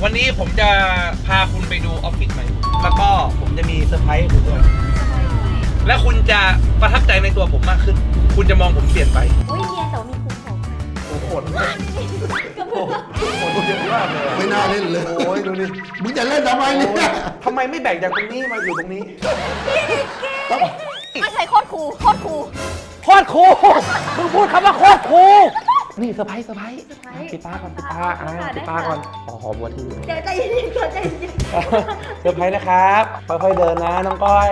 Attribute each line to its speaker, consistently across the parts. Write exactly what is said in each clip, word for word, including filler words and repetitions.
Speaker 1: วันนี้ผมจะพาคุณไปดูออฟฟิศใหม่แล้วก็ผมจะมีเซอร์ไพรส์ให้คุณด้วยและคุณจะประทับใจในตัวผมมากขึ้นคุณจะมองผมเปลี่ยนไป
Speaker 2: อุ้ยเมียแต่ว่ามีภูมิผม
Speaker 1: โอ้โหโหโหเยอะมากเลย
Speaker 3: ไม่น่าเล่นเลย
Speaker 1: โอ้ยดูดิ
Speaker 3: มึงจะเล่นทำไมเนี่ย
Speaker 1: ทำไมไม่แบ่งจากตรงนี้มาอยู่ตรงนี้
Speaker 2: ไม่ใช่โคตรคูลโคตรคูล
Speaker 1: โคตรคูลมึงพูดคำว่าโคตรคูลนี่เซอร์ไพรส์เซอร์ไพรส์ปิดตาก่อนปิดตาอ่าปิดตาก่อนขอหอมวัวที่
Speaker 2: เดี๋ยวใจเย็นๆก่อนใจเย็น
Speaker 1: เซอร์ไพรส์นะครับค่อยๆเดินนะน้องก้อย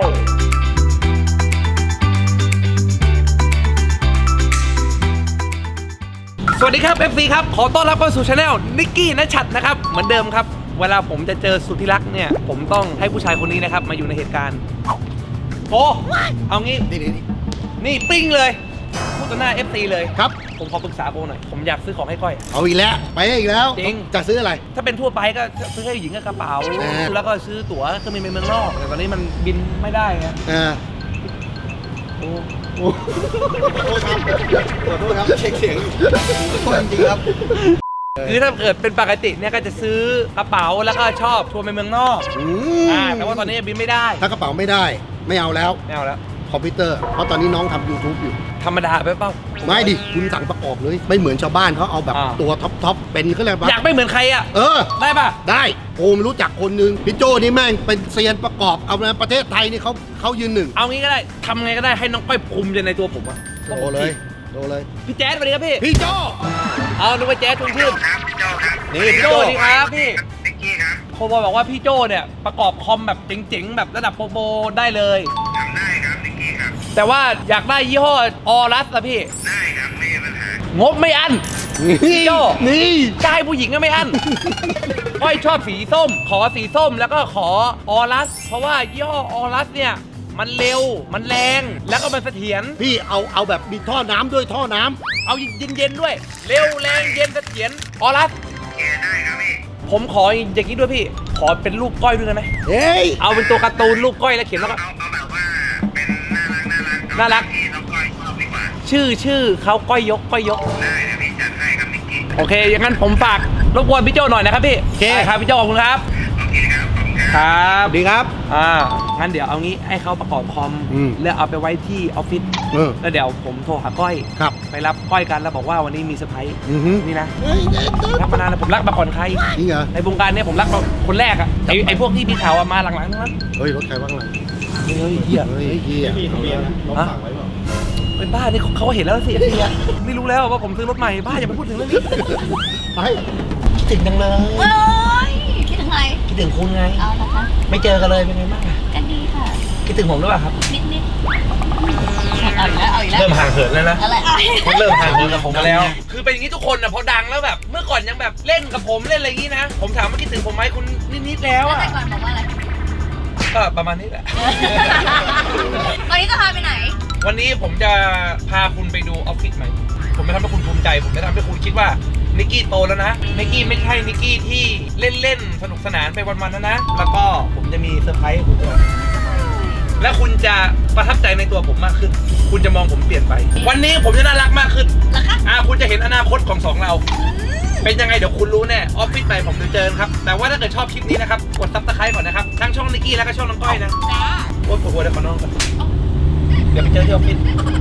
Speaker 1: สวัสดีครับ เอฟ ซี ครับขอต้อนรับเข้าสู่ช anel นิกกี้ณชัดนะครับเหมือนเดิมครับเวลาผมจะเจอสุดที่รักเนี่ยผมต้องให้ผู้ชายคนนี้นะครับมาอยู่ในเหตุการณ์โอ้เอางี้
Speaker 3: นี่นี่นี่
Speaker 1: นี่ปิ้งเลยพูดต่อหน้า เอฟ ซี เลย
Speaker 3: ครับ
Speaker 1: ผมขอปรึกษาโบหน่อยผมอยากซื้อของให้ก้อย
Speaker 3: เอาอีกแล้วไปอีกแล้ว
Speaker 1: จริง
Speaker 3: จะซื้ออะไร
Speaker 1: ถ้าเป็นทั่วไปก็ซื้อให้หญิงกับกระเป๋า
Speaker 3: แน่
Speaker 1: แล้วก็ซื้อตั๋วเครื่องบินไปเมืองนอกแต่ตอนนี้มันบินไม่ได้ไง
Speaker 3: เออ
Speaker 1: โอ้
Speaker 3: โอ้ขอโทษครับขอโทษครับเช็คเสียงอยู่ขอโทษจริงๆครับ
Speaker 1: คือถ้าเกิดเป็นปกติเนี่ยก็จะซื้อกระเป๋าแล้วก็ชอบทัวร์ไปเมืองนอก
Speaker 3: อืม
Speaker 1: อ่าแต่ว่าตอนนี้บินไม่ได้
Speaker 3: ถ้ากระเป๋าไม่ได้ไม่เอาแล้ว
Speaker 1: ไม่เอาแล้ว
Speaker 3: คอมพิวเตอร์เพราะตอนนี้น้องทำ YouTube อยู่
Speaker 1: ธรรมดาไปเปล่า
Speaker 3: ไม่ดิคุณสั่งประกอบเลยไม่เหมือนชาวบ้านเขาเอาแบบ
Speaker 1: อ่า
Speaker 3: ตัวท็อปท็อปเป็นเขาเรียกว่า
Speaker 1: อยากไม่เหมือนใครอ่ะ
Speaker 3: เออ
Speaker 1: ได้ป่ะ
Speaker 3: ได้โอมรู้จักคนนึงพี่โจนี่แม่งเป็นเซียนประกอบเอาในประเทศไทยนี่เขาเขายืนหนึ่ง
Speaker 1: เอางี้ก็ได้ทำไงก็ได้ให้น้องก้อยภูมิใจในตัวผมอะ
Speaker 3: โดเลยโดเลย
Speaker 1: พี่แจ๊ดสวัสดีครับพี่
Speaker 3: พี่โจ
Speaker 1: เอานึกว่าแจ๊ดชวนชื่น
Speaker 3: นี่
Speaker 1: พี่
Speaker 3: พี่
Speaker 1: โจ
Speaker 3: โจ
Speaker 1: สวัสดีครับพี่โคบอยบอกว่าพี่โจเนี่ยประกอบคอมแบบเจ๋งๆแบบระดับโปรโปรได้เลยทำได้ครับนิกกี้ครับแต่ว่าอยากได้ยี่ห้อออรัสอะพี่ได้ครับไม่มีปัญหางบไม่อั้น
Speaker 3: นี่
Speaker 1: โจ
Speaker 3: นี่
Speaker 1: จะให้ผู้หญิงก็ไม่อั้น ก้อยชอบสีส้ม ขอสีส้มแล้วก็ขอออรัส เพราะว่ายี่ห้อออรัสเนี่ยมันเร็วมันแรงแล้วก็มันเสถียร
Speaker 3: พี่เอาเอาแบบมีท่อน้ำด้วยท่อน้ำ
Speaker 1: เอาเย็นๆด้วย เร็วแรงเย็นเสถียรออรัสได้ครับพี่ผมขออย่างนี้ด้วยพี่ ขอเป็นรูปก้อยด้วยได้ไหม
Speaker 3: เฮ้ย
Speaker 1: เอาเป็นตัวการ์ตูนรูปก้อยแล้วเขียนแล้วก็
Speaker 4: เอาเอาแบบว่าเป็นน่ารักน่ารัก
Speaker 1: น่ารัก
Speaker 4: ที่น้องก้อยชอบดีกว่า
Speaker 1: ชื่อชื่อเขาก้อยยกก้อยยก
Speaker 4: ได้เดี๋ยวพี่จัดให้ครับนิกกี้
Speaker 1: โอเคอย่างนั้นผมฝากรบกวนพี่โจหน่อยนะครับพี่โอเคครับพี่โจขอบคุณครับ
Speaker 4: โอเคครับขอบคุณครับ
Speaker 1: ครับ
Speaker 3: ดีครับ
Speaker 1: อ่างั้นเดี๋ยวเอางี้ให้เขาประกอบคอม
Speaker 3: อืม
Speaker 1: แล้วเอาไปไว้ที่ออฟฟิศ
Speaker 3: เออ
Speaker 1: แล้วเดี๋ยวผมโทรหาก้อย
Speaker 3: ครับ
Speaker 1: ไปรับก้อยกันแล้วบอกว่าวันนี้มีเซอร์ไพรส์
Speaker 3: อือฮึ
Speaker 1: นี่นะ
Speaker 3: เฮ้ยเด็ดเด็ด
Speaker 1: รักมานานแล้วผมรักมาก่อนใคร
Speaker 3: จริงเหรอ
Speaker 1: ในวงการเนี้ยผมรักมาคนแรกอะไอไอพวกที่มีข่าวอะมาหลังๆทั้งนั้น
Speaker 3: เฮ้ยรถใครบ้างล่ะ
Speaker 1: เฮ้ยเฮีย
Speaker 3: เฮ้ยเฮีย
Speaker 1: ฮะเป็นบ้านี่เขาเห็นแล้วสิเฮียไม่รู้แล้วว่าผมซื้อรถใหม่บ้าอย่าไปพูดถึงเรื่องนี้
Speaker 3: ไป
Speaker 1: คิดถึงจังเลย
Speaker 2: ๆโอ้ยคิดถึงอะไร
Speaker 1: คิดถึงคุณไง
Speaker 2: เอาละคะ
Speaker 1: ไม่เจอกันเลยเป็นไงบ้างอะ
Speaker 2: ก็ดีค่ะ
Speaker 1: คิดถึงผมหรือเปล่าครับ
Speaker 2: นิดๆเอาอีกแล้วเอาอีกแล้ว
Speaker 1: เริ่มห่างเหินแล้วนะ
Speaker 2: อะไรอะไร
Speaker 1: เขาเริ่มห่างเหินกับผมมาแล้ว คือเป็นอย่างนี้ทุกคนนะพอดังแล้วแบบ เมื่อก่อนยังแบบเล่นกับผมเล่นอะไรอย่างนี้นะ ผมถามว่าคิดถึงผมไหมคุณนิดๆแล้ว
Speaker 2: แล้ว
Speaker 1: อะ
Speaker 2: แต่ก่อนบอกว่าอะไร
Speaker 1: ก็ประมาณนี้แหละ
Speaker 2: วันนี้จะพาไปไหน
Speaker 1: วันนี้ผมจะพาคุณไปดูออฟฟิศใหม่ ผมจะทำให้คุณภูมิใจ ผมจะทำให้คุณคิดว่านิกกี้โตแล้วนะ นิกกี้ไม่ใช่นิกกี้ที่เล่นๆสนุกสนานไปวันๆนะนะ แล้วก็ผมจะมีเซอร์ไพรส์ให้คุณด้วย และคุณจะประทับใจในตัวผมมากขึ้น คุณจะมองผมเปลี่ยนไป วันนี้ผมจะน่ารักมากขึ้น
Speaker 2: เหรอคะ
Speaker 1: อ่าคุณจะเห็นอนาคตของสองเรา เป็นยังไงเดี๋ยวคุณรู้แน่ ออฟฟิศใหม่ผมจะเจอกันครับ แต่ว่าถ้าเกิดชอบคลิปนี้นะครับ กดซับสไครต์ก่อนนะครับ ทั้งช่องนิกกี้แล้วก็ช่องน้องก้อยนะ
Speaker 2: จ้า
Speaker 1: โอ๊ยปวดหัวเดี๋ยวขอนอนก่อนเดี๋ยวไปเจอที่ออฟฟิศ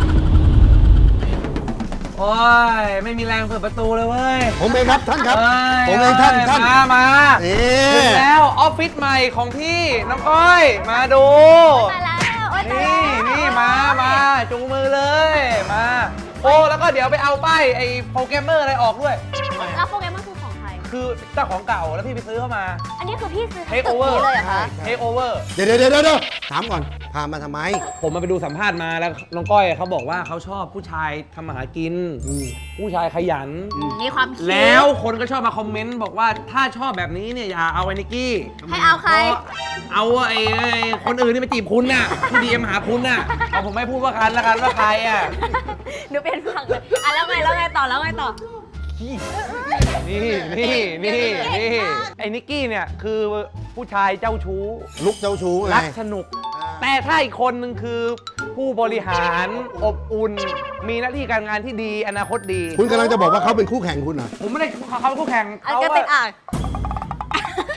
Speaker 1: โอ้ย ไม่มีแรงเปิดประตูเลยเว้ย
Speaker 3: ผมเองครับท่านครับ
Speaker 1: เอ้ย
Speaker 3: ผมเองท่านท่าน
Speaker 1: มามา
Speaker 3: นี่
Speaker 1: ถึงแล้วออฟฟิศใหม่ของพี่น้องก้อย มาดู
Speaker 2: มาแล้วโอ๊ยตาย
Speaker 1: นี่
Speaker 2: แล้ว
Speaker 1: นี่มามาจูงมือเลย มา โอ้แล้วก็เดี๋ยวไปเอาป้ายไอ้โปรแกรมเมอร์อะไรออกด้วย
Speaker 2: แล้วโปรแกรมมันคือของใคร
Speaker 1: คือเจ้าของเก่าแล้วพี่ไปซื้อเข้ามา
Speaker 2: อันนี้คือพี่ซื้อ
Speaker 1: เท
Speaker 2: ทั้ง
Speaker 1: ค
Speaker 2: ตึ
Speaker 1: โอก เวอ
Speaker 2: นี้
Speaker 1: ร์
Speaker 2: เลยเหรอคะ
Speaker 1: เทคโอเวอร์
Speaker 3: เดี๋ยวเดี๋ยวเดี๋ยวเดี๋ยวถามก่อนพามาทำไม
Speaker 1: ผมมาไปดูสัมภาษณ์มาแล้วน้องก้อยเขาบอกว่าเขาชอบผู้ชายทำมาหากิน
Speaker 3: อืม
Speaker 1: ผู้ชายขยัน
Speaker 2: มีความคิด
Speaker 1: แล้วคนก็ชอบมาคอมเมนต์บอกว่าถ้าชอบแบบนี้เนี่ยอย่าเอาไอ้นิกกี้
Speaker 2: ให้เอาใคร
Speaker 1: เอาไอ้ไอ้คนอื่นที่มาจีบคุณน่ะที่ดีเอ็มหาคุณน่ะเอาผมไม่พูดว่ากันแล้วกันว่าใครอ่ะ
Speaker 2: หนูเป็นฝั่งเลยอ่ะแล้วไงแล้วไงต่อแล้วไงต่อ
Speaker 1: นี่นี่นี่นี่ไอ้นิกกี้เนี่ยคือผู้ชายเจ้าชู้
Speaker 3: ลุกเจ้าชู้ไง
Speaker 1: รักสนุก แต่ถ้าอีกคนหนึ่งคือผู้บริหารอบอุ่น มีหน้าที่การงานที่ดีอนาคตดี
Speaker 3: คุณกำลังจะบอกว่าเขาเป็นคู่แข่งคุณเหรอ
Speaker 1: ผมไม่ได้เขาเป็นคู่แข่ง
Speaker 2: อัน
Speaker 1: เขา
Speaker 2: ก็ติดอ่าง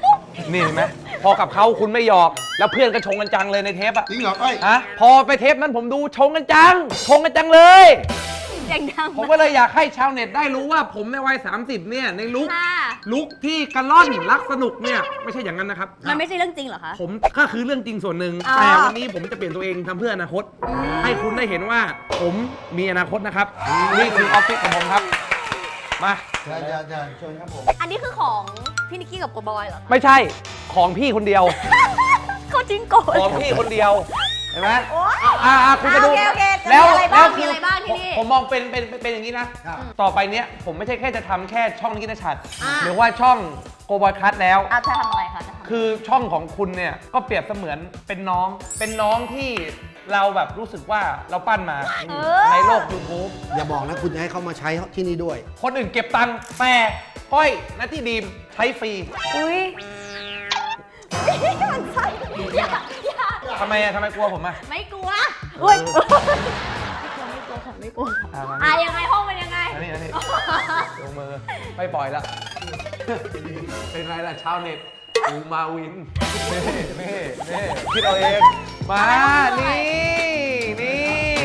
Speaker 1: นี่เห็นไหมพอกับเขาคุณไม่หยอก แล้วเพื่อนก็ชงกันจังเลยในเทปอะ
Speaker 3: จริงเหรอก้อย
Speaker 1: ฮะพอไปเทปนั้นผมดูชงกันจัง ชงกันจังเลย
Speaker 2: เสียงดัง
Speaker 1: ผมก็เลยอยากให้ชาวเน็ตได้รู้ว่าผมในวัย สามสิบ เนี่ยในลุค
Speaker 2: ค่ะ
Speaker 1: ลุคที่กระล่อนรักสนุกเนี่ยไม่ใช่อย่างนั้นนะครับ
Speaker 2: มันไม่ใช่เรื่องจริงเหรอคะ
Speaker 1: ผมก็คือเรื่องจริงส่วนหนึ่ง
Speaker 2: อ๋อ
Speaker 1: แต่วันนี้ผมจะเปลี่ยนตัวเองทำเพื่ออนาคต ให้คุณได้เห็นว่าผมมีอนาคตนะครับ นี่คือออฟฟิศของผมครับ มา
Speaker 3: ใช่ใช่ใช่เชิญครับผม
Speaker 2: อันนี้คือของพี่นิกกี้กับโกบอยเหรอคะ
Speaker 1: ไม่ใช่ของพี่คนเดียว
Speaker 2: เขาจริงโกย
Speaker 1: ของพี่คนเดียว เห็นไหม
Speaker 2: โอ๊ย
Speaker 1: อ่าอ่าคุณจะดู
Speaker 2: โอเคโอเคจะมี
Speaker 1: แล้ว
Speaker 2: อะไรบ้าง
Speaker 1: แล้ว
Speaker 2: มีอะไรบ้างที่นี่
Speaker 1: ผมผมมองเป็นเป็นเป็นเป็นอย่างนี้นะ
Speaker 3: ครับ
Speaker 1: ต่อไปเนี้ยผมไม่ใช่แค่จะทำแค่ช่องนิกิตชัด
Speaker 2: อ่า
Speaker 1: หรือว่าช่องโกบอยคัทแล้ว
Speaker 2: อ่ะจะทำอะไรคะจะทำ
Speaker 1: คือช่องของคุณเนี่ยก็เปรียบเสมือนเป็นน้อง เป็นน้องที่เราแบบรู้สึกว่าเราปั้นมา
Speaker 2: เออ
Speaker 1: ในโลก YouTube
Speaker 3: อย่าบอกนะคุณจะให้เขามาใช้ที่นี่ด้วย
Speaker 1: คนอื่นเก็บตังค์แต่ก้อยนัทที่ดีมใช้ฟรี
Speaker 2: อุ้ยมันใช่อย่าอย่า
Speaker 1: ทำไมอะทำไมกลัวผมอะ
Speaker 2: ไม่กลัวอุ้ยไม่กลัวไม่กลัวค่ะไม่กลัว
Speaker 1: อ่ะมา
Speaker 2: อ่ะยังไงห้องเป็นยังไง
Speaker 1: อันนี้อันนี้ลงมือไม่ปล่อยแล้ว เป็นไรล่ะชาวเน็ตอูมาวินเน่เน่เน่คิดเอาเอง มา นี่ นี่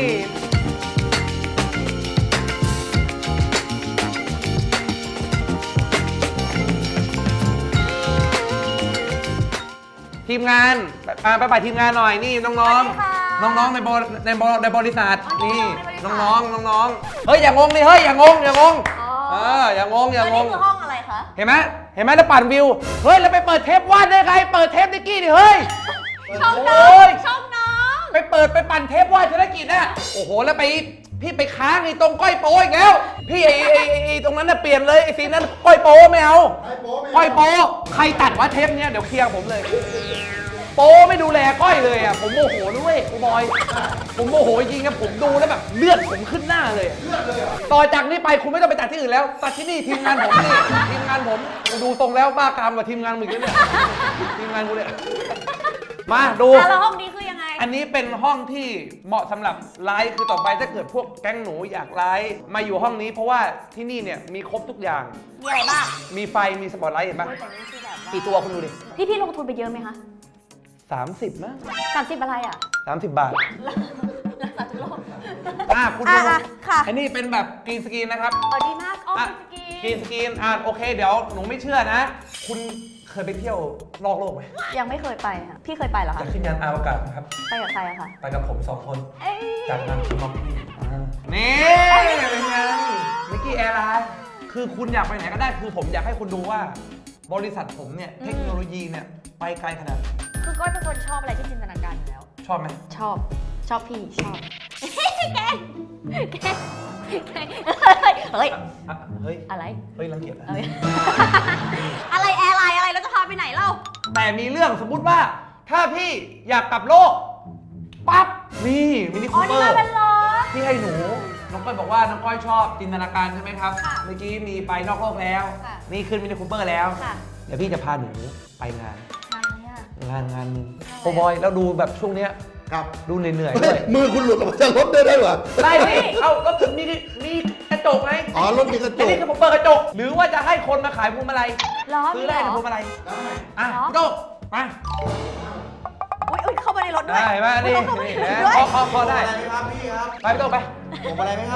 Speaker 1: ทีมงานอ่าไปไปทีมงานหน่อย นี่น้อง
Speaker 2: สวัสดีค่ะ
Speaker 1: ๆ น้องๆ ในบริในบริในบริษัท
Speaker 2: อ๋อ
Speaker 1: นี่
Speaker 2: น้
Speaker 1: น้
Speaker 2: อ
Speaker 1: อง
Speaker 2: งๆในบริษัท
Speaker 1: ๆ น้องๆ เฮ้ย อย่างงงดิ เฮ้ย อย่างงง อย่างงง
Speaker 2: อ๋อ
Speaker 1: เอออย่างงง อย่างง
Speaker 2: แล้ว
Speaker 1: ง
Speaker 2: นี่คือห้องอะไรคะ
Speaker 1: เห็นไหมเห็นไหมแล้วปั่นวิว เฮ้ย แล้วไปเปิดเทปวาดได้ไง เปิดเทปนิกกี้ดิ เฮ้ย
Speaker 2: ช่อง
Speaker 1: โอ้
Speaker 2: น้อง
Speaker 1: ย
Speaker 2: ช่องน้อง
Speaker 1: ไปเปิดไปปั่นเทปวาดธุรกิจน่ะ โอ้โห แล้วไปพี่ไปค้างไอ้ตรงก้อยโป้อีกแล้ว พี่ไอ้ไอ้ไอ้ไอ้ตรงนั้นน่ะเปลี่ยนเลยไอ้ซีนนั้นก้อยโป้ไม่เอา ก้อยโป้ใครตัดวะเทปเนี้ยเดี๋ยวเคลียร์ผมเลย โป้ไม่ดูแลก้อยเลยอ่ะ ผมโมโหด้วยโอ้บอย ผมโมโหจริงๆผมดูแล้วแบบเลือดผมขึ้นหน้าเลยอะต่อจากนี้ไปคุณไม่ต้องไปตัดที่อื่นแล้ว ตัดที่นี่ทีมงานผมนี่ ทีมงานผมกูดูตรงแล้วบ้ากามกับทีมงานมึงแล้วเนี่ย ทีมงานกูเนี่ย มาดู
Speaker 2: อ่ะแล้วห้องนี้คือยังไง
Speaker 1: อันนี้เป็นห้องที่เหมาะสำหรับไลฟ์คือต่อไปถ้าเกิดพวกแก๊งหนูอยากไลฟ์มาอยู่ห้องนี้เพราะว่าที่นี่เนี่ยมีครบทุกอย่าง
Speaker 2: มีอะไรบ้าง
Speaker 1: มีไฟมีสปอตไลท์เห็นปะ
Speaker 2: โอ้ยแต่นี่คือแบบว่า
Speaker 1: กี่ตัวคุณดูดิ
Speaker 2: พี่พี่ลงทุนไปเยอะไหมคะ
Speaker 1: สามสิบนะ
Speaker 2: สามสิบอะไรอ่ะ
Speaker 1: สามสิบบาท
Speaker 2: รักษาทุกโรค
Speaker 1: อ่ะคุณ
Speaker 2: อ่ะ
Speaker 1: ดู
Speaker 2: อ่ะค่ะ
Speaker 1: อันนี้เป็นแบบกรีนสกรีนนะครับ
Speaker 2: อ๋อดีมากอ๋อ
Speaker 1: อ่ะ
Speaker 2: เป็นสกี
Speaker 1: กรีนสกรีนอ่ะโอเคเดี๋ยวหนูไม่เชื่อนะ คุณเคยไปเที่ยวนอกโลกไหม
Speaker 2: ยังไม่เคยไปค่ะ พี่เคยไปเหรอ
Speaker 1: จา
Speaker 2: คะ
Speaker 1: กขึ้นยานอวกาศนะครับ
Speaker 2: ไปกับใครอะคะ
Speaker 1: ไปกับผมสองคน
Speaker 2: เอ้ย
Speaker 1: จากทางคุณมองนี่นี่เป็นไงมิกกี้แอร์ไลน์คือคุณอยากไปไหนก็ได้ คือผมอยากให้คุณดูว่า บริษัทผมเนี่ย เทคโนโลยีเนี่ย ไปไกลขนาดไหน
Speaker 2: คือก้อยเป็นคนชอบอะไรที่จินตนาการอยู่แล้ว
Speaker 1: ชอบไหม
Speaker 2: ชอบ ชอบพี่ ชอบ แกล้งแกล้งแกล้งเฮ้ย
Speaker 1: อ่ะเฮ้ย
Speaker 2: อะไร
Speaker 1: เฮ้ยรังเกียจนะ
Speaker 2: เฮ้ย อะไรแอร์ไลน์อะไรแล้วจะพาไปไหนเล่า
Speaker 1: แต่มีเรื่องสมมุติว่า ถ้าพี่อยากกลับโลก ปั๊บ นี่มินิ
Speaker 2: อ๋
Speaker 1: คู
Speaker 2: อ
Speaker 1: เป
Speaker 2: นี่
Speaker 1: อ
Speaker 2: มา
Speaker 1: ร์
Speaker 2: เป็นล้อ
Speaker 1: ที่ให้หนู น้องก้อยบอกว่าน้องก้อยชอบจินตนาการใช่ไหมครับ
Speaker 2: ค่ะ
Speaker 1: เมื่อกี้มีไปนอกโลกแล้ว
Speaker 2: ค่ะ
Speaker 1: นี่ขึ้นมินิคูเปอร์แล้ว
Speaker 2: ค่ะ
Speaker 1: เดี๋ยวพี่จะพาหนูไปงาน
Speaker 2: งานอะไรอะ
Speaker 1: งานงานหนึงโอบอยแล้วดูแบบช่วงเนี้ย
Speaker 3: ครับ
Speaker 1: ดูเหนื่อยๆ
Speaker 3: เฮ้
Speaker 1: ด้วย ย
Speaker 3: มือคุณหลุดออกมาจากรถได้ได้เหรอ
Speaker 1: ได้ดิเอ้ารถผมมีมีกระจกไง
Speaker 3: อ๋อรถมีกระจ
Speaker 1: อัน
Speaker 3: ก
Speaker 1: นี้คือผมเปิดกระจก หรือว่าจะให้คนมาขายพวงมาลัย
Speaker 2: ล้อ
Speaker 1: ซื้
Speaker 2: มี
Speaker 1: อ
Speaker 2: เหร
Speaker 1: ได้
Speaker 2: อ
Speaker 1: ในพวงมาลัยอ่ะ
Speaker 2: เหรอ
Speaker 1: กระจกมา
Speaker 2: อุ้ยอุ้ยเข้ามาในรถด้วย
Speaker 1: ได้ไหมนี่
Speaker 2: อุ๊ยเข้ามา
Speaker 1: นี่
Speaker 2: ในรถ
Speaker 1: นะ
Speaker 2: ด้วย
Speaker 1: พอพอพอได้
Speaker 3: ครับพี่ครับ
Speaker 1: ไปกระจกไป
Speaker 3: ผมอะไรไหมครับ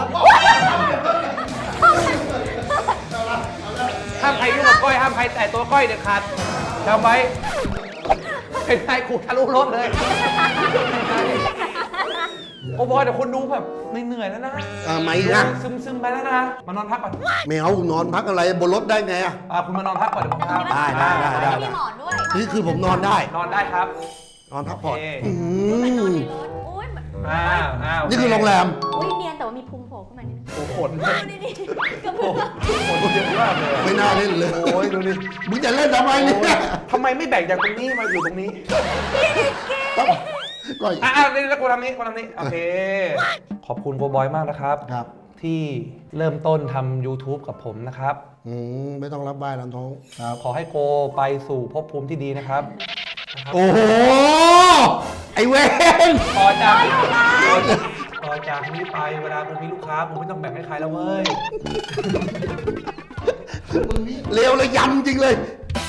Speaker 1: ห้ามใครยุ่งกับก้อยห้ามใครแตะตัวก้อยเด็ดขาดจำไว้เป็นไงกูทะลุรถเลยโอ้บอยเดี๋ยวคนดูแบบเหนื่อยๆแล้วนะ
Speaker 3: อ่าไม่นะ
Speaker 1: ซึมซึมๆไปแล้วนะมานอนพักก่อน
Speaker 3: ไม่เอานอนพักอะไรบนรถได้ไงอ่ะ
Speaker 1: อ่ะคุณมานอนพักก่อนเดี๋ยวผมพา
Speaker 3: ได้ได้ได้ได้
Speaker 2: มีหมอนด้วย
Speaker 3: นี่คือผมนอนได้
Speaker 1: นอนได้ครับ
Speaker 3: นอนพักผ่อน
Speaker 1: โอเค
Speaker 3: อื
Speaker 2: ไปนอน
Speaker 3: ม
Speaker 2: ในรถอุ้ย
Speaker 1: อ้าวอ้าว
Speaker 3: นี่คือโรงแรม
Speaker 2: อุ้ยเนียนแต่ว่ามีพุงโผล่ขึ้นมานิดนึง
Speaker 1: โอ้โหขน
Speaker 2: ดูดิดิกระ
Speaker 1: โอ้
Speaker 2: เพื่อ
Speaker 1: โหขนเยอะมากเลย
Speaker 3: ไม่น่าเล่นเลย
Speaker 1: โอ้ยดูดิ
Speaker 3: มึงจะเล่นทำไมเนี่ย
Speaker 1: ทำไมไม่แบ่งจากตรงนี้มาอยู่ตรงนี้
Speaker 3: ก็
Speaker 1: อ่ะอ่ะนี่แล้วกูทำนี้กูทำนี้ โอเค ขอบคุณโกบอยมากนะครับ
Speaker 3: ครับ
Speaker 1: ที่เริ่มต้นทำ YouTube กับผมนะครับ
Speaker 3: อืมไม่ต้องรับบ้ายลำท้องครับ
Speaker 1: ขอให้โกไปสู่ภพภูมิที่ดีนะครับนะครับ
Speaker 3: โอ้โห ไอเวน
Speaker 1: ต่อจากต่อจากนี้ไปเวลาผมมีลูกค้าผมไม่ต้องแบ่งให้ใครแล้วเว้ย
Speaker 3: เลวเลยยำจริงเลย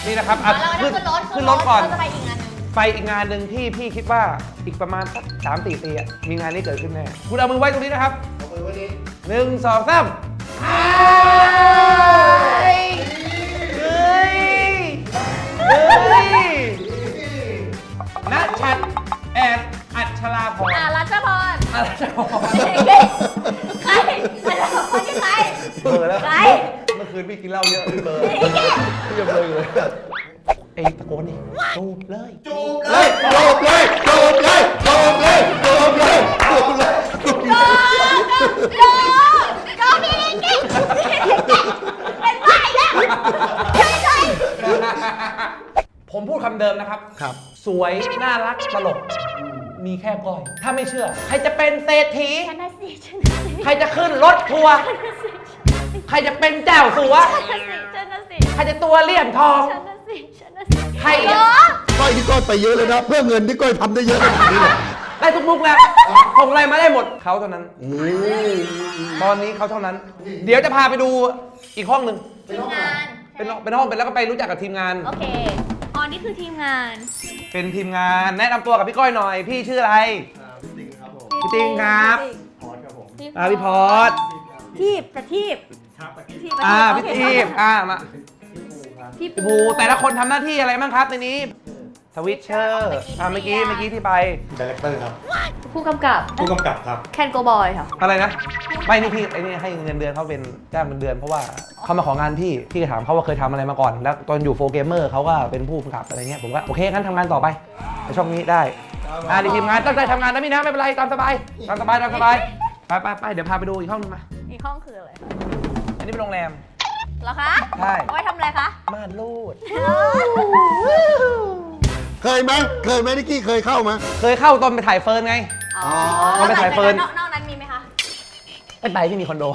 Speaker 1: นี่นะครับอ่ะ
Speaker 2: แล้วก็
Speaker 1: ขึ้น
Speaker 2: ขึ้นรถ
Speaker 1: ขึ้นรถก่อน
Speaker 2: เราจะไปอีกงานหนึง
Speaker 1: ไปอีกงานหนึ่งที่พี่คิดว่าอีกประมาณสักสามสี่ปีอะมีงานนี้เกิดขึ้นแน่คุณเอามือไว้ตรงนี้นะครับ
Speaker 3: เอามือไว้นี่
Speaker 1: หนึ่งสองสามเฮ้ยเฮ้ยเฮ้ยนัชชัดแอนอัชราพร
Speaker 2: อ่ารัชพร
Speaker 1: อัชราพร
Speaker 2: ใครรัชพรที่ใคร
Speaker 1: เบลอแล้ว
Speaker 2: ใคร
Speaker 1: เมื่อคืนพี่กินเหล้าเยอะพี่เบลอพี่ยังเบลออยู่เลยไอ้ตะโกนนี่จูบเลย
Speaker 3: จูบเลยจูบเลยจูบเลยจูบเลยจูบเลยจูบเลยจูบเลย
Speaker 2: โจโจพี่ลิงกิ้งเป็นบ้าอีกแล้วช่วยหน่อย
Speaker 1: ผมพูดคำเดิมนะครับ
Speaker 3: ครับ
Speaker 1: สวย น่ารัก ตลก มีแค่ก้อย ถ้าไม่เชื่อ ใครจะเป็นเศรษฐี
Speaker 2: ชนะสิชนะสิ
Speaker 1: ใครจะขึ้นรถทัวร์ ใครจะเป็นเจ้าสัว
Speaker 2: ชนะสิชนะสิ
Speaker 1: ใครจะตัวเลี่ยมทอง
Speaker 2: ชนะสิชนะสิ
Speaker 1: ใคร
Speaker 2: เหร
Speaker 1: อะ
Speaker 2: อ
Speaker 3: ก้อยที่ก้อยไปเยอะเลยนะ เพื่อเงินที่ก้อยทำได้เยอะขนาดนี้เลย
Speaker 1: ได้ทุกมุกแล้วส่งอะไรมาได้หมด เขาเท่านั้น
Speaker 3: โอ้
Speaker 1: ตอนนี้เขาเท่านั้น เดี๋ยวจะพาไปดูอีกห้องหนึ่ง
Speaker 2: ทีมงาน
Speaker 1: เป็นเป็นห้องเป็นแล้วก็ไปรู้จักกับทีมงาน
Speaker 2: โอเคอ๋อนี่คือทีมงาน
Speaker 1: เป็นทีมงาน แนะนำตัวกับพี่ก้อยหน่อย พี่ชื่ออะไร พี่ติ๊งครับ อ่าพี่พอด
Speaker 2: ทีบกระทีบทีบกระ
Speaker 1: อ่า
Speaker 2: โอ
Speaker 1: พี่
Speaker 2: เค
Speaker 1: ทีมอ่ามา
Speaker 2: พี่
Speaker 1: พี่ภูแต่ละคนทำหน้าที่อะไรบ้างครับในนี้สวิตเชอร์อ่าเมื่อกี้เมื่อกี้ที่ไป
Speaker 3: ดีเลกเตอร์ครับ
Speaker 2: ผู้กำกับ
Speaker 3: ผู้กำกับครับ
Speaker 2: แคนโกบอยค่ะ
Speaker 1: อะไรนะ ไม่นี่พี่ไอ้นี่ให้เงินเดือนเขาเป็นจ้างเป็นเดือนเพราะว่าเขามาของานพี่พี่ก็ถามเขาว่าเคยทำอะไรมาก่อน แล้วตอนอยู่โฟเกมเมอร์เขาก็เป็นผู้กำกับอะไรเงี้ยผมก็โอเคงั้นทำงานต่อไปในช่องนี้ได้อ่าในทีมงานตั้งใจทำงานนะพี่นะไม่เป็นไรตามสบายตามสบายตามสบายไปไปไปเดี๋ยวพาไปดูอีกห้องนึงมา
Speaker 2: อีกห้องคืออะไร
Speaker 1: อันนี้เป็นโรงแรม
Speaker 2: เหรอคะ
Speaker 1: ใช่
Speaker 2: เอาไว้ทำอะไรคะ
Speaker 1: ม่านรูด
Speaker 3: เคยไหมเคยไหมนิกกี้เคยเข้าไหม
Speaker 1: เคยเข้าตอนไปถ่ายเฟิร์นไง
Speaker 2: อ๋อ
Speaker 1: เอาไปถ่ายเฟิร์น
Speaker 2: นอกนอกนั้นมีไหมคะ
Speaker 1: ไม่ไปที่มีคอนโด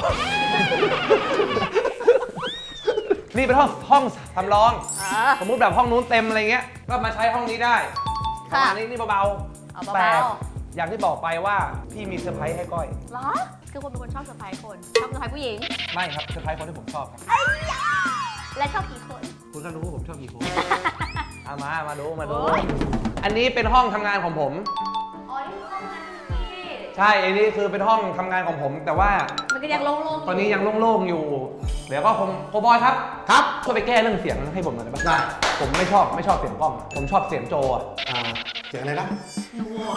Speaker 1: นี่เป็นห้องห้องสำรอง
Speaker 2: อ๋อ
Speaker 1: สมมุติแบบห้องนู้นเต็มอะไรเงี้ย ก็มาใช้ห้องนี้ได้ป
Speaker 2: ค่ะ
Speaker 1: ระมาณนี้นี่เบา
Speaker 2: เอา
Speaker 1: ๆ
Speaker 2: เบาๆ
Speaker 1: แต่อย่างที่บอกไปว่าพี่มีเซอร์ไพรส์ให้ก้อย
Speaker 2: เหรอ คือคนเป็นคนชอบเซอร์ไพรส์คน ชอบเซอร์ไพรส์ผู้หญิง
Speaker 1: ไม่ครับเซอร์ไพรส์คนที่ผมชอบครับ
Speaker 2: ไอ้ยาและชอบกี่คน
Speaker 1: คุณก็รู้ว่าผมชอบกี่คน เอามา มาดู มาดู
Speaker 2: โอ๊ย
Speaker 1: อันนี้เป็นห้องทำงานของผม
Speaker 2: อ๋อ นี่คือห้องนั้นพี่
Speaker 1: ใช่ อันนี้คือเป็นห้องทำงานของผม แต่ว่า
Speaker 2: มันก็ยังโล่งๆ
Speaker 1: ตอนนี้ยังโล่งๆอยู่ เดี๋ยวก็คงโคบอยครับ
Speaker 3: ครับ
Speaker 1: ช่วยไปแก้เรื่องเสียงให้ผมหน่อยได้ปะ
Speaker 3: ได้
Speaker 1: ผมไม่ชอบไม่ชอบเสียงกล้อง ผมชอบเสียงโจอ่ะ
Speaker 3: อ่าเสียงอะไรนะ
Speaker 2: นัว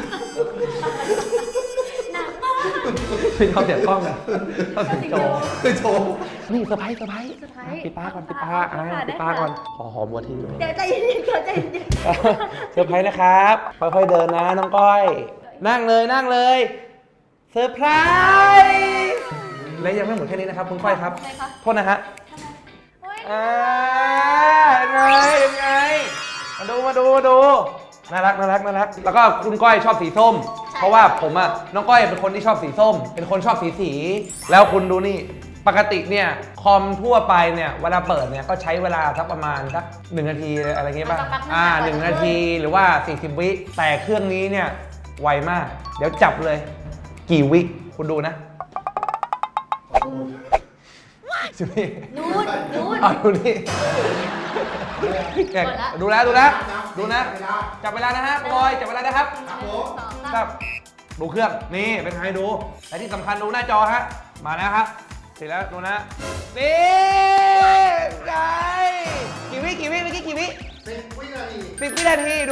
Speaker 2: หนัก
Speaker 1: ไม่ชอบเสียงกล้องอะชอบเสียงโจ
Speaker 3: คือโชว์
Speaker 1: นี่เซอร์ไพรส์เซอร์ไพรส์
Speaker 2: เซอร์ไพรส์
Speaker 1: ปิดตาก่อนปิดตา
Speaker 2: ได้
Speaker 1: อ่า
Speaker 2: ค่ะ
Speaker 1: ปิดตาก่อน ขอหอมหัวทีด้วย
Speaker 2: เดี๋ยวใจเย็นๆเดี๋ยวใจเย็น
Speaker 1: เซอร์ไพรส์นะครับ ค่อยๆเดินนะน้องก้อย นั่งเลยนั่งเลยเซอร์ไพรส์และยังไม่หมดแค่นี้นะครับคุณก้อยครับ
Speaker 2: ทำไมคะ
Speaker 1: โทษนะฮะ
Speaker 2: โอ๊ย
Speaker 1: อ่ายังไงยังไงมาดูมาดูมาดูน่ารักน่ารักน่ารักแล้วก็คุณก้อยชอบสีส้ม เพราะว่าผมอะน้องก้อยเป็นคนที่ชอบสีส้ม เป็นคนชอบสีสี แล้วคุณดูนี่ปกติเนี่ยคอมทั่วไปเนี่ยเวลาเปิดเนี่ยก็ใช้เวลาสักประมาณสักหนึ่งนาทีอะไรเงี้ยป่ะอ่าหนึ่งนาทีหรือว่าสี่สิบวิแต่เครื่องนี้เนี่ยไวมาก เดี๋ยวจับเลย กี่วิคุณดูนะสิบวิ
Speaker 2: นู่นนู่น
Speaker 1: เอาดูนี่แกะ
Speaker 2: หมดละ
Speaker 1: ดูแล้วดูแล้วดูนะ จับเวลานะฮะบอยจับเวลานะครับ
Speaker 2: หนึ่งสองสาม
Speaker 1: ครับ ดูเครื่อง นี่เป็นไงดู และที่สำคัญดูหน้าจอฮะ มาแล้วครับ เสร็จแล้วดูนะ นี่ไงกี่วิกี่วิเมื่อกี้กี่วิ
Speaker 3: สิบวินาที
Speaker 1: สิบวินาทีดู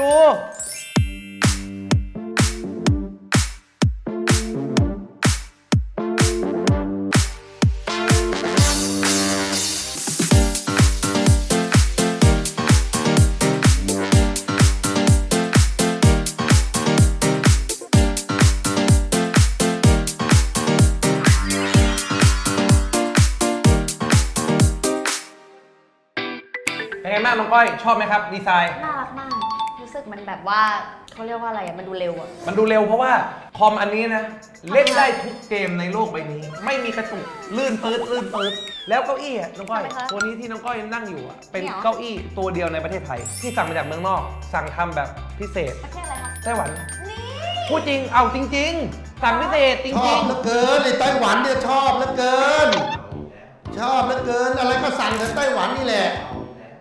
Speaker 1: เป็นไงบ้างน้องก้อย ชอบไหมครับ ดีไซน์
Speaker 2: น่ารักมาก รู้สึกมันแบบว่าเขาเรียกว่าอะไรอะมันดูเร็วอะ
Speaker 1: มันดูเร็วเพราะว่าคอมอันนี้นะ เล่นได้ทุกเกมในโลกใบนี้ ไม่มีกระตุกลื่นปื๊ดลื่นปื๊ดแล้วเก้าอี้อะน้องก้อยตัวนี้ที่น้องก้อยนั่งอยู่อะเป็นเก้าอี้ตัวเดียวในประเทศไทย ที่สั่งมาจากเมืองนอก สั่งทำแบบพิเศษ
Speaker 2: ประเทศอะไรคะ
Speaker 1: ไต้หวัน
Speaker 2: นี่
Speaker 1: พูดจริงเอาจริง ๆ สั่งพิเศษจ
Speaker 3: ชอ
Speaker 1: ริ
Speaker 3: บ
Speaker 1: ง
Speaker 3: เหลือเกินไอ้ไต้หวันเนี่ยชอบเหลือเกิน ชอบเหลือเกิน อะไรก็สั่งจากไต้หวันนี่แหละ
Speaker 1: ๆ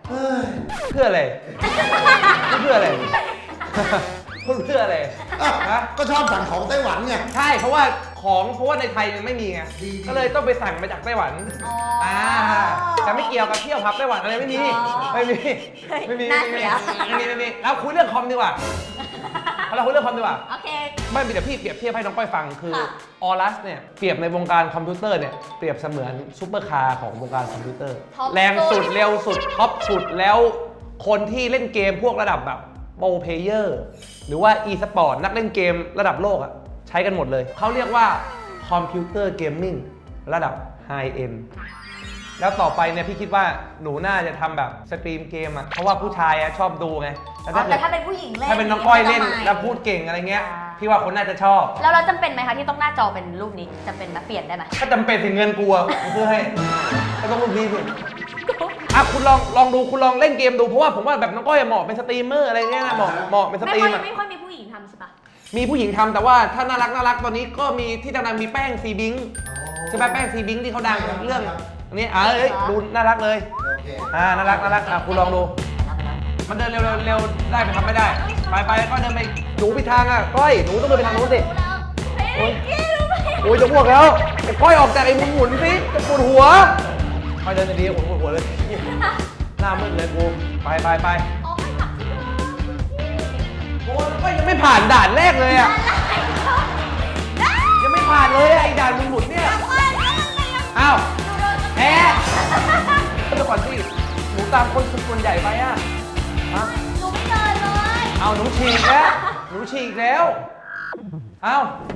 Speaker 3: เฮ้ย
Speaker 1: เพื่ออะไรเพื่ออะไรพูดเพื่ออะไร
Speaker 3: อ่ะ
Speaker 1: ฮะ
Speaker 3: ก็ชอบสั่งของไต้หวันไง
Speaker 1: ใช่เพราะว่าของเพราะว่าในไทยมันไม่มีไง
Speaker 3: ดี
Speaker 1: ก็เลยต้องไปสั่งมาจากไต้หวัน
Speaker 2: อ๋ออ่
Speaker 1: อ่าแต่ไม่เกี่ยวกับเที่ยวผับไต้หวันอะไรไม่มี
Speaker 2: อ๋อ
Speaker 1: ไม่มีไม่มี
Speaker 2: น่า
Speaker 1: ไม่
Speaker 2: เสี
Speaker 1: มี
Speaker 2: ย
Speaker 1: ไม่มีไม่มีเราคุยเรื่องคอมดีกว่าเราคุยเรื่องคอมดีกว่า
Speaker 2: โอเค
Speaker 1: ไม่มีแต่พี่เปรียบเทียบให้น้องก้อยฟังคือ
Speaker 2: ค่ะ
Speaker 1: ออรัสเนี่ยเปรียบในวงการคอมพิวเตอร์เนี่ยเปรียบเสมือนซูเปอร์คาร์ของวงการคอมพิวเตอร์
Speaker 2: ท็อป
Speaker 1: แรงสุด
Speaker 2: สุด
Speaker 1: เร็วสุดท็อปสุดแล้วคนที่เล่นเกมพวกระดับแบบโปรเพลเยอร์หรือว่า e สปอร์ตนักเล่นเกมระดับโลกอะใช้กันหมดเลย เขาเรียกว่าคอมพิวเตอร์เกมมิ่งระดับไฮเอ็นแล้วต่อไปเนี่ยพี่คิดว่าหนูน่าจะทำแบบสตรีมเกมอะเพราะว่าผู้ชายอะชอบดูไงแต่
Speaker 2: อ๋อ
Speaker 1: ถ้า
Speaker 2: แต่
Speaker 1: เกิด
Speaker 2: ถ้าเป็นผู้หญิงเล่น
Speaker 1: ถ้าเป็นน้องก้อยเล่น
Speaker 2: ก็ไม่
Speaker 1: แล้วพูดเก่งอะไรเงี้ย
Speaker 2: อ่า
Speaker 1: พี่ว่าคนน่าจะชอบ
Speaker 2: แล้วเราจำเป็นไหมคะที่ต้องหน้าจอเป็นรูปนี้จำเป็นไหมเปลี่ยนได้ไหม
Speaker 1: ถ้าจำเป็นถึงเงินกลัวเพื่อให้ก็ต้องรูปนี้สิอ่ะคุณลองลองดูคุณลองเล่นเกมดูเพราะว่าผมว่าแบบน้องก้อยเหมาะเป็นสตรีมเมอร์อะไรเงี้ยนะเหมาะเหมาะเป็นส
Speaker 2: ไม่
Speaker 1: ตรี
Speaker 2: ค่อ
Speaker 1: ม
Speaker 2: ย
Speaker 1: อะ
Speaker 2: ไม่ค่อยมีผู้หญิงทำใช่ปะ
Speaker 1: มีผู้หญิงทำแต่ว่าถ้าน่ารักน่ารักตอนนี้ก็มีที่ดังๆมีแป้งซีบิงใช่ไหมแป้งซีบิงที่เขาดังเรื่องอันนี้อ่ะเอ้ยดูน่ารักเลย
Speaker 3: โอเค
Speaker 1: อ่าน่ารักน่ารักอ่ะคุณลองดู มันเดินเร็วเร็วเร็วได้ไหมทำไม่ได้ ไปไปก็เดินไปหนูไปทางอ่ะก้อยหนูต้องเดินไปทางนู้นสิ
Speaker 2: โอ้ยรู้ไหม
Speaker 1: โอ้ยจะอ้วกแล้วไอ้ก้อยออกจากไอ้หมุนหมุนๆสิจะปวดหัวไปเดินดีๆปวดหัวเลยหน้ามืดเลยกูไปไปไป
Speaker 2: อ๋อให้กลับที่เดิม
Speaker 1: โอ้ยก็ยังไม่ผ่านด่านแรกเลยอ่ะ
Speaker 2: ได้
Speaker 1: ยังไม่ผ่านเลยอะไอ้ด่านหมุนหมุนๆเนี่ย
Speaker 2: เอาว่าแล้วมันยัง
Speaker 1: อ้าว
Speaker 2: ดูโดน
Speaker 1: แพ้เดี๋ยวก่อนสิหนูตามคนส่วนใหญ่ไปอ่ะฮะ
Speaker 2: หนูไม่เดินเลย
Speaker 1: เอาหนูฉีกแล้วหนูฉีกแล้วเอา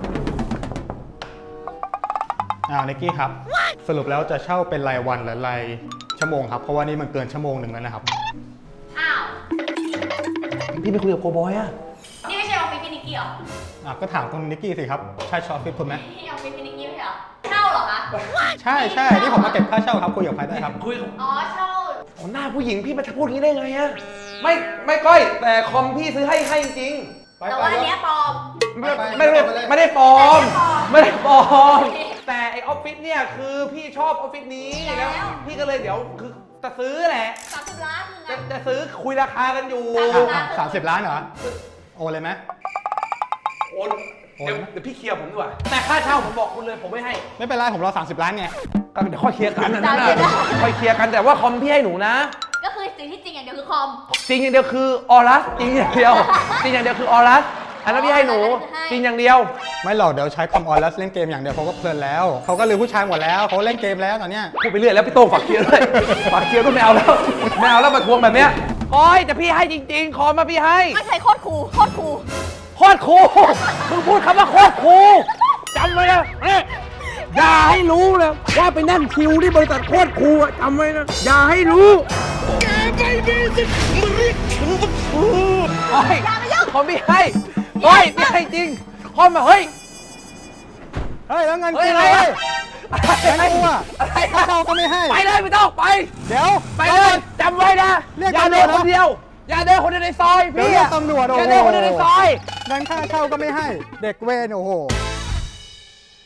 Speaker 5: อ่านิกกี้ครับ สรุปแล้วจะเช่าเป็นรายวันหรือรายชั่วโมงครับ เพราะว่านี่มันเกินชั่วโมงหนึ่งแล้วนะครับ
Speaker 2: อ้าว
Speaker 1: พี่ไปคุยกับโกบอยอ่ะ
Speaker 2: นี่ไม่ใช่ออฟฟิศพี่นิกกี้เหรอ
Speaker 5: อ่ะก็ถามคุณนิกกี้สิครับ ใช่ชออฟฟิศคุณไหม
Speaker 2: นี่ออฟฟิศพี่นิกกี้ไม่ใช่เหรอเช่าเหรอคะ
Speaker 5: ใช่ใช่นี่ผมมาเก็บค่าเช่าครับคุยกับใครได้ครับ
Speaker 1: คุยกับ
Speaker 2: อ๋อเช่า
Speaker 1: อ๋อหน้าผู้หญิงพี่มาพูดอย่างนี้ได้ไงอะไม่ไม่ก้อยแต่คอมพี่ซื้อให้ให้จริง
Speaker 3: ไป
Speaker 2: แต่
Speaker 3: ไป
Speaker 2: ว่าอัน
Speaker 3: แล้ว
Speaker 2: เนี้ยปลอม
Speaker 1: ไม่
Speaker 3: ไป
Speaker 1: ไม่ได้
Speaker 3: ไปเลย
Speaker 1: ไม่ได้ปลอม
Speaker 2: ไม่
Speaker 1: ไม่
Speaker 2: ได้
Speaker 1: ได้
Speaker 2: ป
Speaker 1: ป
Speaker 2: ล
Speaker 1: ล
Speaker 2: อ
Speaker 1: อ
Speaker 2: ม
Speaker 1: มแต่ไอออฟฟิศเนี่ยคือพี่ชอบออฟฟิศนี้
Speaker 2: แล้
Speaker 1: แล้ว วพี่ก็เลยเดี๋ยวคือจะซื้อแหละ
Speaker 2: สามสิบล้านคือไง
Speaker 1: จะจะซื้อคุยราคากันอยู่
Speaker 2: สามสิบล้าน
Speaker 5: สามสิบล้านเหรอ โอนเลยไหม
Speaker 1: โอนเดี๋ยวเดี๋ยวพี่เคลียร์ผมดีกว่าแต่ค่าเช่าผมบอกคุณเลยผมไม่ให้
Speaker 5: ไม่เป็นไรผมรอสามสิบล้านไง
Speaker 1: ก็เดี๋ยวค่อยเคลียร์กันนะ
Speaker 2: สาม
Speaker 1: นะ
Speaker 2: สิบล้าน
Speaker 1: ค่อยเคลียร์กันแต่ว่าคอมพี่ให้หนูนะ
Speaker 2: ก็คือสิ่งที่จริงอย่างเดียวคือคอม
Speaker 1: จริงอย่างเดียวคือออรัสจริงอย่างเดียวจริงอย่างเดียวคือออรัสอันนั้นพี่ให้หนู
Speaker 2: ให้
Speaker 1: จริงอย่างเดียว
Speaker 5: ไม่หรอกเดี๋ยวใช้คอมออนแล้วเล่นเกมอย่างเดียวเขาก็เพลินแล้วเขาก็ลืมผู้ชายหมดแล้วเขาเล่นเกมแล้วตอนเนี้ย
Speaker 1: พูดไปเรื่อยแล้วพี่โต้งฝากเคลียร์ด้วยฝากเคลียร์ด้วยไม่เอาแล้วไม่เอาแล้วมาทวงแบบเนี้ยโอ้ยแต่พี่ให้จริงๆ ขอมาพี่ให้
Speaker 2: ไม่ใช่โคตรคูลโคตรคูล
Speaker 1: โคตรครูมึงพูดคำว่าโคตรครูจำไว้นะเอ๊ะอย่าให้รู้เลยว่าไปนั่งคิวที่บริษัทโคตรครูอะจำไว้นะอย่าให้รู้แกไม่มีสิทธิ์มาเรียกฉันว่าครูโอ้ยเขาไม่ให้โอ้ยไม่ให้จริงเขามาเฮ้ย
Speaker 5: เฮ้ยแล้วเงิน
Speaker 1: เฮ้ย
Speaker 5: กู
Speaker 1: อะไร
Speaker 5: เล
Speaker 1: อะ
Speaker 5: ย
Speaker 1: อะไร
Speaker 5: กูอะ
Speaker 1: อะไร
Speaker 5: ค่าเช่าก็ไม่ให้
Speaker 1: ไปเลยไม่ต้องไป
Speaker 5: เดี๋ยว
Speaker 1: ไปเลยจำไว้นะ
Speaker 5: เรียก
Speaker 1: อย่า
Speaker 5: ตำร
Speaker 1: เดิ
Speaker 5: วน จ
Speaker 1: คนเดียว อย่าเดินคนเดียวในซอย
Speaker 5: เดี๋ยว
Speaker 1: พี่
Speaker 5: เรีย
Speaker 1: อะ
Speaker 5: กตำรวจโอ้
Speaker 1: อย่า
Speaker 5: โห
Speaker 1: เดินคนเดียวในซอย
Speaker 5: เงินค่าเช่าก็ไม่ให้ เด็กเวรโอ้โห